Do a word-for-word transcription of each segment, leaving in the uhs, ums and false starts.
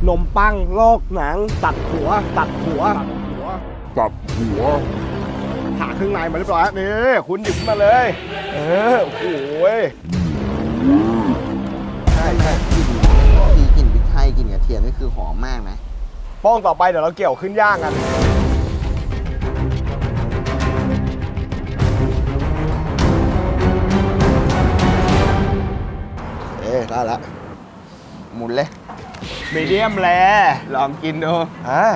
นมปังลอกหนังตัดหัวตัดหัวตัดหัวตัดหัวผ่าเครื่องในมาเรียบร้อยนี่คุณหยิบมาเลยเออโอ้โหใช่ใช่กลิ่นทีกลิ่นพริกไทยกลิ่นกระเทียมนี่คือหอมมากนะป้องต่อไปเดี๋ยวเราเกี่ยวขึ้นย่างกันเอ๊ะได้ละหมุนเลยมีเดียมแรลองกินดูอ่า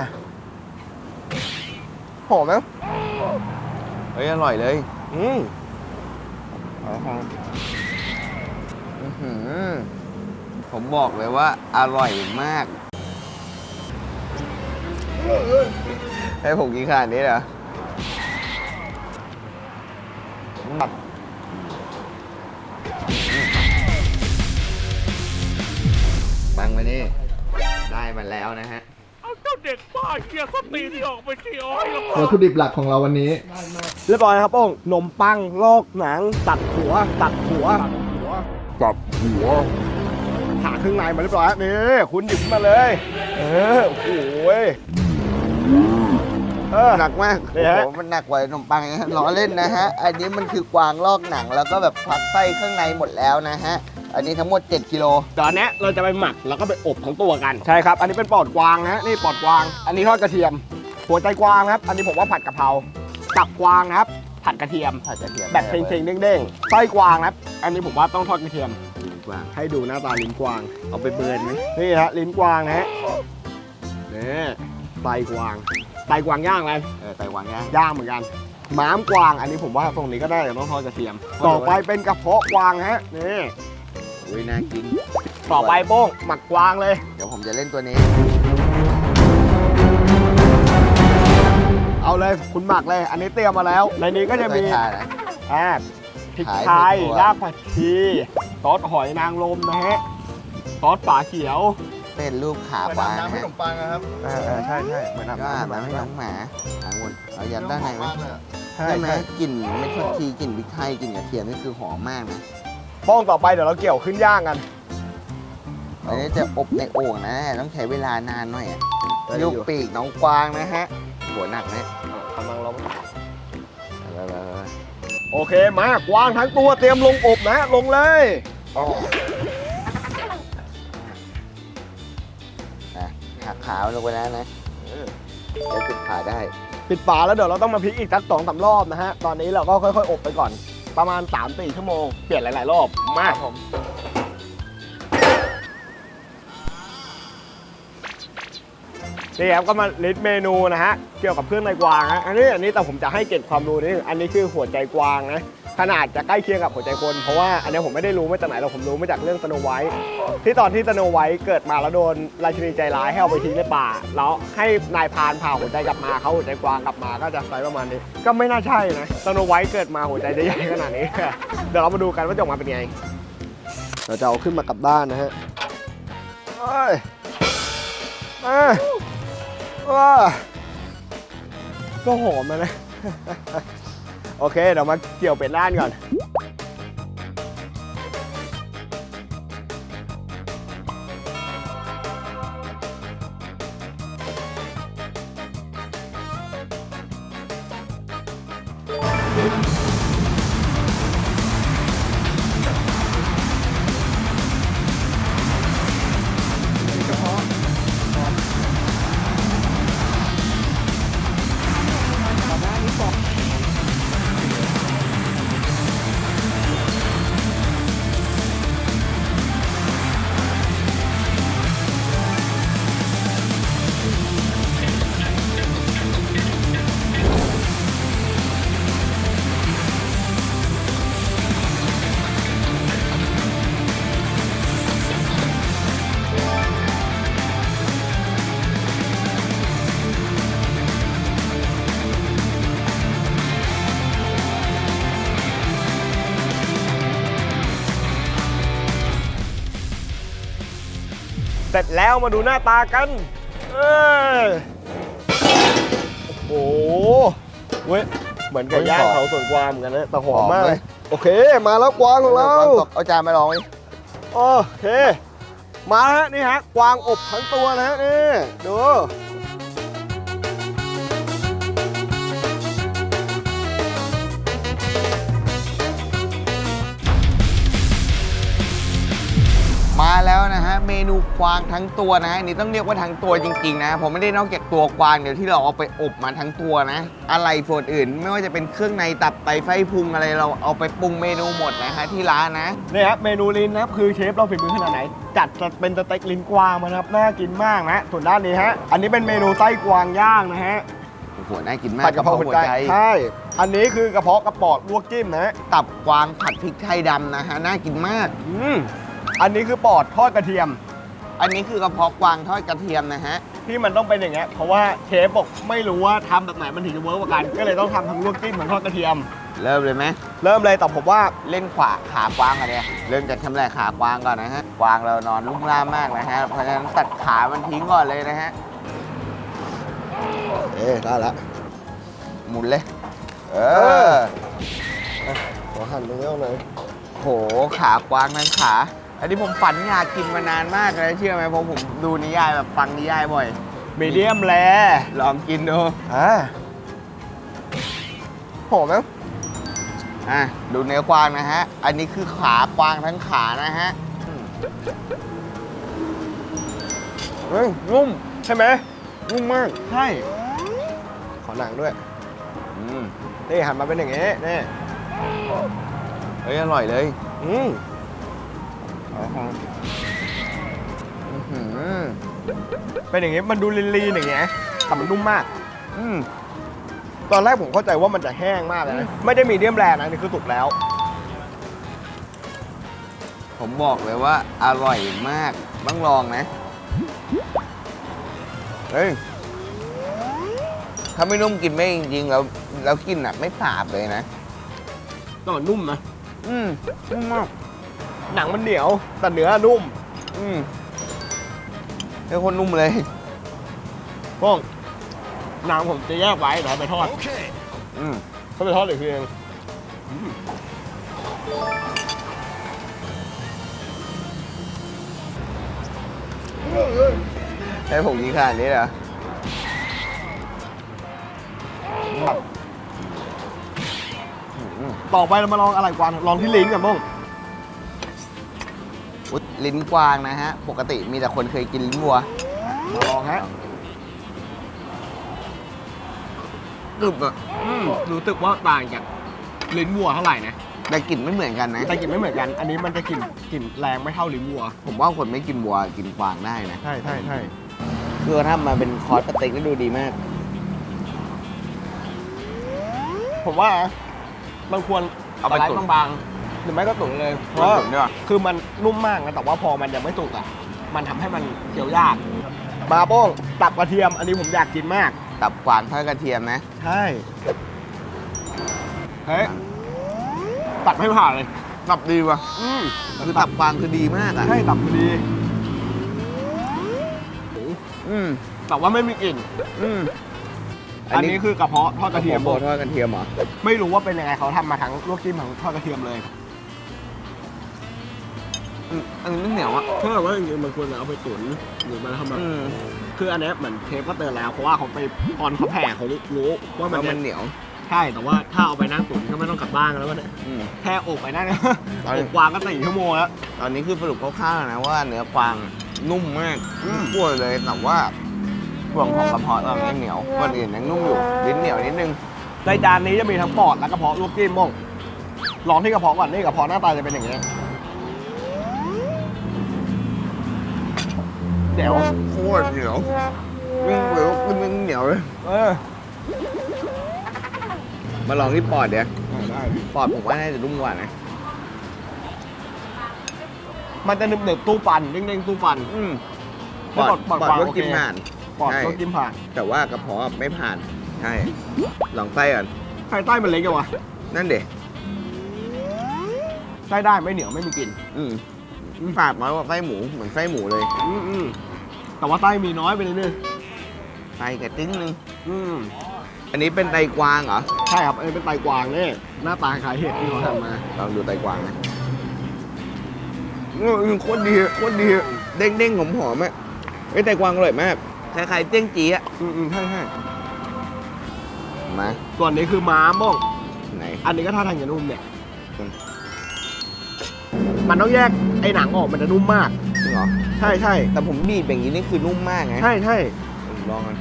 หอมไหมเฮ้ยอร่อยเลยอืมอืมผมบอกเลยว่าอร่อยมากให้ผมกินขนาดนี้เหรอบังมานี่ได้มาแล้วนะฮะเอาเจ้าเด็กบ้าเกียร์สตีที่ออกไปที่อ้อยแล้ววัตถุดิบหลักของเราวันนี้เรียบร้อยนะครับป้องนมปังลอกหนังตัดหัวตัดหัวตัดหัวตัดหัวผ่าเครื่องในมาเรียบร้อยนี่คุณหยิบมาเลยเออโอ้โหหนักมากโอ้โหมันหนักกว่าขนมปังนะล้อเล่นนะฮะอันนี้มันคือกวางลอกหนังแล้วก็แบบพักไส้ข้างในหมดแล้วนะฮะอันนี้ทั้งหมดเจ็ดกิโลตอนนี้เราจะไปหมักแล้วก็ไปอบทั้งตัวกันใช่ครับอันนี้เป็นปอดกวางนะนี่ปอดกวางอันนี้ทอดกระเทียมหัวใจกวางครับอันนี้ผมว่าผัดกะเพราตับกวางนะครับผัดกระเทียมผัดกระเทียมแบบเค็งๆเด้งๆไส้กวางนะครับอันนี้ผมว่าต้องทอดกระเทียมลิ้นกวางให้ดูหน้าตาลิ้นกวางเอาไปเบิร์นไหมนี่ฮะลิ้นกวางนะฮะนี่ไส้กวางไส้กวางย่างอะไรเออไส้กวางย่างย่างเหมือนกันม้ามกวางอันนี้ผมว่าตรงนี้ก็ได้แต่ต้องทอดกระเทียมต่อไปเป็นกระเพาะกวางฮะนี่อุ้ยน่ากินต่อไปโป้งหมักกวางเลยเดี๋ยวผมจะเล่นตัวนี้เอาเลยคุณหมักเลยอันนี้เตรียมมาแล้วในนี้ก็จะมีอ่าพริกไทยรากผักชีซอสหอยนางรมนะฮะซอสฝาเขียวเป็นรูปขาปลาน้ำให้ขนมปังนะครับเออใช่ใช่เหมือนน้ำน้ำให้น้องหมาหางวนเอายัดด้านในไหมใช่ไหมกลิ่นไม่ทอดทีกลิ่นพริกไทยกลิ่นกระเทียมนี่คือหอมมากนะป้องต่อไปเดี๋ยวเราเกี่ยวขึ้นย่างกันอันนี้จะอบในโอ่งนะต้องใช้เวลานานหน่อยอ่ะยุกปีกน้องกวางนะฮะหัวหนักนะกำลังลงโอเคมากวางทั้งตัวเตรียมลงอบนะลงเลยหักขาลงไปแล้วนะจะปิดฝาได้ปิดฝาแล้วเดี๋ยวเราต้องมาพลิกอีกสักสองสามรอบนะฮะตอนนี้เราก็ค่อยๆอบไปก่อนประมาณ สามถึงสี่ ชั่วโมงเปลี่ยนหลายๆรอบมากผมนี่ครับก็มาลิสต์เมนูนะฮะเกี่ยวกับเครื่องในกวางฮะอันนี้อันนี้แต่ผมจะให้เก็บความรู้นิดนึงอันนี้คือหัวใจกวางนะขนาดจะใกล้เคียงกับหัวใจคนเพราะว่าอันนี้ผมไม่ได้รู้มาจากไหนเราผมรู้มาจากเรื่องสโนไวท์ที่ตอนที่สโนไวท์เกิดมาแล้วโดนราชินีใจร้ายให้เอาไปทิ้งในป่าแล้วให้นายพรานพาหัวใจกลับมาเขาหัวใจกวางกลับมาก็จะไซส์ประมาณนี้ก็ไม่น่าใช่นะสโนไวท์เกิดมาหัวใจจะใหญ่ขนาดนี้เดี๋ยวเรามาดูกันว่าจะออกมาเป็นไงเราจะเอาขึ้นมากลับด้านนะฮะเอ้ยเอ้ยว้าก็หอมนะโอเคเดี๋ยวมาเกี่ยวเป็ดล้านก่อนเสร็จแล้วมาดูหน้าตากันเออโอ้โหเว้ยเหมือนกับย่างเขาสวนกวางเหมือนกันนะแต่หอมมากเลยโอเคมาแล้วกวางของเราเอาจานมาลองดิโอเคมาฮะนี่ฮะกวางอบทั้งตัวนะฮะนี่ดูมาแล้วนะฮะเมนูกวางทั้งตัวนะอันนี้ต้องเรียกว่าทั้งตัวจริงๆนะผมไม่ได้นอกจากตัวกวางเดี๋ยวที่เราเอาไปอบมาทั้งตัวนะอะไรส่วนอื่นไม่ว่าจะเป็นเครื่องในตับไตไส้พุงอะไรเราเอาไปปรุงเมนูหมดนะฮะที่ร้านนะนี่ครับเมนูลิ้นนะครับคือเชฟเราฝีมือขนาดไหนจัดจะเป็นสเต็กลิ้นกวางมานะครับน่ากินมากนะส่วนด้านนี้ฮะอันนี้เป็นเมนูไส้กวางย่างนะฮะโอ้โหน่ากินมากผัดกะเพราหัวใจใช่อันนี้คือกระเพาะกระปอดลวกจิ้มนะฮะตับกวางผัดพริกไทยดำนะฮะน่ากินมากอืมอันนี้คือปอดทอดกระเทียมอันนี้คือกระเพาะกวางทอดกระเทียมนะฮะที่มันต้องเป็นอย่างเงี้ยเพราะว่าเชฟบอกไม่รู้ว่าทำแบบไหนมันถึงจะเวิร์กกว่ากัน ก็เลยต้องทำทั้งลวกจิ้มทั้งทอดกระเทียมเริ่มเลยไหมเริ่มเลยแต่ผมว่าเล่นขวาขากวางกันเนี่ยเริ่มจากทำแรกขากวางก่อนนะฮะกวางเรานอนลุ่มล่ามมากนะฮะเพราะฉะนั้นตัดขามันทิ้งก่อนเลยนะฮะเอ๊ได้ละหมุนเลย เออขอหั่นตรงนี้หน่อยโหขากวางทั้งขา อันนี้ผมฝันอยากกินมานานมากเลยเชื่อไหมเพราะผมดูนิยายแบบฟังนิยายบ่อยมีเดียมแลลองกินดูอ่าหอมไหมอ่ะดูเนื้อกวางนะฮะ อันนี้คือขากวางทั้งขานะฮะเฮ้ยนุ่มใช่ไหมนุ่มมากใช่ขอหนังด้วยอืมนี่หั่นมาเป็นอย่างงี้นี่เฮ้ยอร่อยเลยอืมอื้อหือเป็นอย่างงี้มันดูลีนๆอย่างเงี้ยแต่มันนุ่มมากอืมตอนแรกผมเข้าใจว่ามันจะแห้งมากเลยนะไม่ได้มีเดียมแรนะนี่คือสุกแล้วผมบอกเลยว่าอร่อยมากต้องลองนะ เฮ้ย ถ้าไม่นุ่มกินไม่จริงๆแล้วแล้วกินอ่ะไม่สาบเลยนะก็นุ่มนะอืมนุ่มมากหนังมันเหนียวแต่เนื้อนุ่มอืมเป็นคนนุ่มเลยพวกหนังผมจะแยกไว้เดี๋ยวเอาไปทอดอืมเขาไปทอดอีกทีเองให้ผมกินขนาดนี้เหรอต่อไปเรามาลองอะไรกวางลองที่ลิ้นกันบ้างอุ๊ยลิ้นกวางนะฮะ ปกติมีแต่คนเคยกินลิ้นวัวมาลองฮะกรึบอ่ะอืมรู้สึกว่าต่างจากลิ้นวัวเท่าไหร่นะแต่กลิ่นไม่เหมือนกันนะแต่กลิ่นไม่เหมือนกัน อันนี้มันจะกลิ่นกลิ่นแรงไม่เท่าลิ้นวัวผมว่าคนไม่กินวัวกินกวางได้นะใช่ใช่ใช่คือถ้ามาเป็นคอร์สสเต็กแล้วดูดีมากผมว่ามันควรเอาไปสลด์ตุ๋นบางๆหรือไม่ก็ตุ๋นเลยเพเอาราะไปตุ๋นดีกว่าคือมันนุ่มมากนะแต่ว่าพอมันยังไม่สุกอ่ะมันทำให้มันเคี้ยวยากมาโป้งตับกระเทียม อันนี้ผมอยากกินมากตับกวางทอดกระเทียมนะใช่เฮ้ยตัดไม่ผ่านเลยตับดีว่ะอืมคือตับกวางคือดีมากอ่ะใช่ตับพอดีอืมแต่ว่าไม่มีกลิ่นอืมอันนี้คือกระเพาะทอดกระเทียมโบทอดกระเทียมเหรอไม่รู้ว่าเป็นยังไงเขาทำมาทั้งลวกจิ้มทั้งทอดกระเทียมเลยอืมอันนี้ไม่เหนียวอ่ะถ้าแบบว่าจริงๆมันควรจะเอาไปตุ๋นหรือมาทำแบบอืมคืออันเนี้ยเหมือนเชฟก็เตือนแล้วเพราะว่าเขาไปตอนเขาแผ่เขารู้ว่ามันแล้วจะมันเหนียวใช่แต่ว่าถ้าเอาไปนั่งตุ๋นก็ไม่ต้องกลับบ้านกันแล้วเนี่ยอืมแค่อบไปนั่นเอาเลยอบกวางก็สี่ชั่วโมงแล้วตอนนี้คือสรุปคร่าวๆนะว่าเนื้อกวางนุ่มมากอืมพูดเลยแต่ว่าส่วนของกระเพาะเรายังเหนียวคนอื่นยังนุ่มอยู่ลิ้นเหนียวนิดนึงในจานนี้จะมีทั้งปอดและกระเพาะลวกจิ้มม่งลองที่กระเพาะก่อนนี่กระเพาะหน้าตาจะเป็นอย่างนี้เดี๋ยวโคตรเหนียวมึงเหนียวมึงเหนียวเลยเออมาลองที่ปอดเดี๋ยวได้ปอดผมว่าน่าจะนุ่มกว่านะมันจะหนึบหนึบๆตู้ปันเด้งๆตู้ปันอืมปอดปอดปอดกวางก็โอเคกินผ่านปอดใช่ลวกจิ้มผ่านแต่ว่ากระเพาะไม่ผ่าน ใช่ ลองไส้ก่อนไส้ใต้มันเล็กจังวะนั่นเด็ไส้ได้ไม่เหนียวไม่มีกลิ่นอืมฝาดน้อยกว่าไส้หมูเหมือนไส้หมูเลยอืมอืมแต่ว่าไส้มีน้อยไปนิดนึงไส้กระติ้งนึงอืมอันนี้เป็นไตกวางเหรอใช่ครับอันนี้เป็นไตกวางเนี่ยหน้าตาคล้ายเห็ดที่เขาทำมาลองดูไตกวางนะอืมโคตรดีโคตรดีอเด้งๆหอมๆอ่ะไอ้ยแต่กวางอร่อยมากคล้ายๆเจ้งจีอ่ะอืมอืมใช่ใช่มาส่วนนี้คือม้าม่องไหนอันนี้ก็ท่าทางจะนุ่มเนี่ยอืมมันต้องแยกไอ้หนังออกมันจะนุ่มมากจริงเหรอใช่ใช่แต่ผมบีบอย่างนี้นี่คือนุ่มมากไงใช่ใช่ผมลองกัน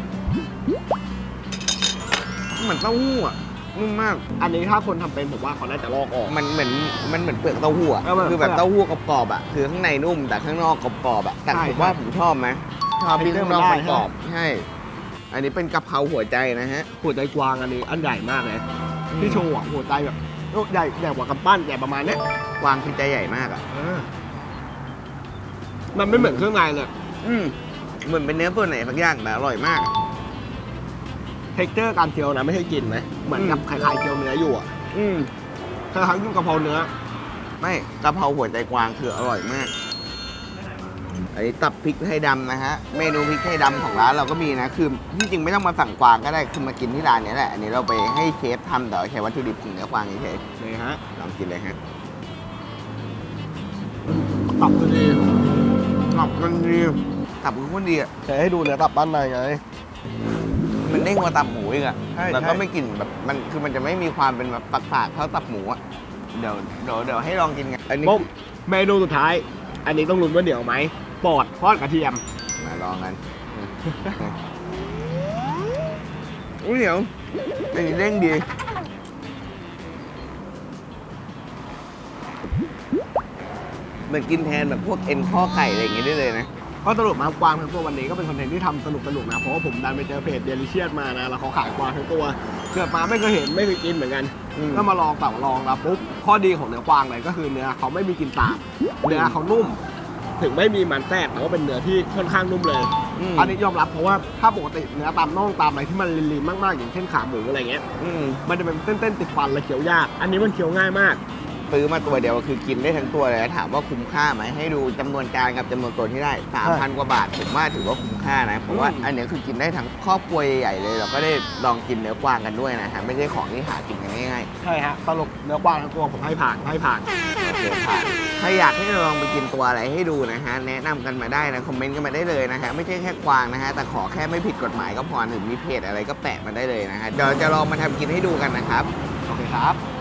เหมือนเต้าหู้อ่ะนุ่มมากอันนี้ถ้าคนทำเป็นผมว่าเขาน่าจะลอกออกมันเหมือนมันเหมือนเปลือกเต้าหู้อ่ะเออมันคือแบบเปลือกเต้าหู้กรอบๆอ่ะคือข้างในนุ่มแต่ข้างนอกกรอบๆอ่ะแต่ใช่ผมว่าใช่ผมชอบไหมชอบที่ข้างนอกได้กรอบๆใช่ อันนี้เป็นกะเพราหัวใจนะฮะหัวใจกวางอันนี้อันใหญ่มากเลยอืมที่โชว์อ่ะหัวใจแบบโอ้ใหญ่ใหญ่กว่ากำปั้นใหญ่ประมาณเนี้ยกวางคือใจใหญ่มากอ่ะมันไม่เหมือนเครื่องในเลยอืมเหมือนเป็นเนื้อตัวไหนสักอย่างแต่อร่อยมากอะเท็กเจอร์การเคี้ยวนะไม่ใช่กลินนะเหมือนกับอืมคล้ายๆเคี้ยวเนื้ออยู่อ่ะอืมคล้ายๆกินกะเพราเนื้อไม่กะเพราหัวใจกวางคืออร่อยมาก อันนี้ตับพริกไทยดำนะฮะ เมนูพริกไทยดำของร้านเราก็มีนะ คือที่จริงไม่ต้องมาสั่งกวางก็ได้ คือมากินที่ร้านเนี้ยแหละ อันนี้เราไปให้เชฟทำแต่ว่าใช้วัตถุดิบของเนื้อกวางเฉยนี่ฮะๆลองกินเลยฮะตับคือดีตับมันดีตับคือคนดีอ่ะแต่ให้ดูเนื้อตับบ้านในไงมันเด้งกว่าตับหมูอีกอ่ะใช่แล้วใช่ก็ไม่กลิ่นแบบมันคือมันจะไม่มีความเป็นแบบฝาดๆเท่าตับหมูอ่ะ เดี๋ยวเดี๋ยวเดี๋ยวให้ลองกินกัน อันนี้ปุ๊บเมนูสุดท้าย อันนี้ต้องลุ้นว่าเหนียวไหมปอดทอดกระเทียมมาลองกันอุ้ยเดี๋ยวอันนี้เด้งดี เหมือนกินแทนแบบพวกเอ็นข้อไก่อะไรอย่างเงี้ยได้เลยนะก็สรุปมากวางทั้งตัววันนี้ก็เป็นคอนเทนต์ที่ทำสนุกสนุกๆนะ เพราะว่าผมดันไปเจอเพจเดลิเชียสมานะ แล้วเขาขายกวางทั้งตัวเกิดมาไม่เคยเห็นไม่เคยกินเหมือนกันอืมก็มาลองแต่ว่าลองแล้วปุ๊บข้อดีของเนื้อกวางเลยก็คือเนื้อเขาไม่มีกลิ่นสาบเนื้อเขานุ่ม ถึงไม่มีมันแทรกแต่ว่าเป็นเนื้อที่ค่อนข้างนุ่มเลยมอันนี้ยอมรับเพราะว่าถ้าปกติเนื้อตามน่องตามอะไรที่มันลีนๆมากๆอย่างเช่นขาหมูอะไรเงี้ยอืมมันจะเป็นเต้นๆติดฟันและเคี้ยวยาก อันนี้มันเคี้ยวง่ายมากซื้อมาตัวเดียวคือกินได้ทั้งตัวเลยแล้วถามว่าคุ้มค่าไหมให้ดูจำนวนจานกับจำนวนตัวที่ได้ 3,000 กว่าบาทผมว่าถือว่าคุ้มค่านะ เพราะว่าอืมอันเนี้ยคือกินได้ทั้งครอบครัวใหญ่ๆเลย เราก็ได้ลองกินเนื้อกวางกันด้วยนะฮะไม่ใช่ของที่หากินกันง่ายๆใช่ฮะสรุปเนื้อกวางทั้งตัวผมให้ผ่านให้ผ่านโอเคผ่านถ้าอยากให้เราลองไปกินตัวอะไรให้ดูนะฮะ แนะนำกันมาได้นะ คอมเมนต์กันมาได้เลยนะฮะ ไม่ใช่แค่กวางนะฮะ แต่ขอแค่ไม่ผิดกฎหมายก็พอหรือมีเพจอะไรก็แปะมาได้เลยนะฮะ เดี๋ยวจะลองมาทำกินให้ดูกันนะครับโอเคครับ